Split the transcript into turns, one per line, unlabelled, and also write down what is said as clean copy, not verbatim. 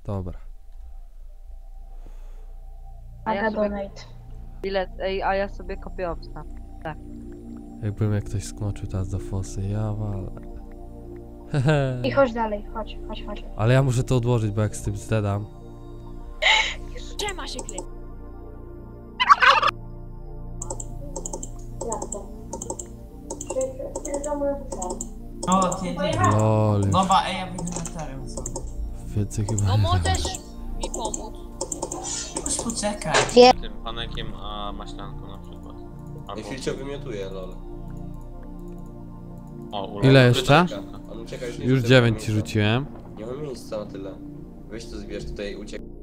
Dobra.
A ja sobie...
donate.
Bilet, ej, a ja sobie kopię obsta.
Jakbym jak ktoś skoczył teraz do fosy, ja walę. Hehe.
I chodź dalej, chodź.
Ale ja muszę to odłożyć, bo jak z tym zdedam.
Gdzie ma się klip?
O, ty.
Lol, już
Dobra, ej, ja wyjdę na teren sobie.
więcej chyba
No
nie
możesz mi pomóc.
Już poczekaj.
Tym panekiem, a maślanką na przykład.
I Filcio wymiotuje, lol.
O,
Ile jeszcze?
On ucieka już nie
Już
rzuca
9 ci
miejsca.
rzuciłem.
Nie ma miejsca na tyle. Weź to zbierz tutaj, uciekaj.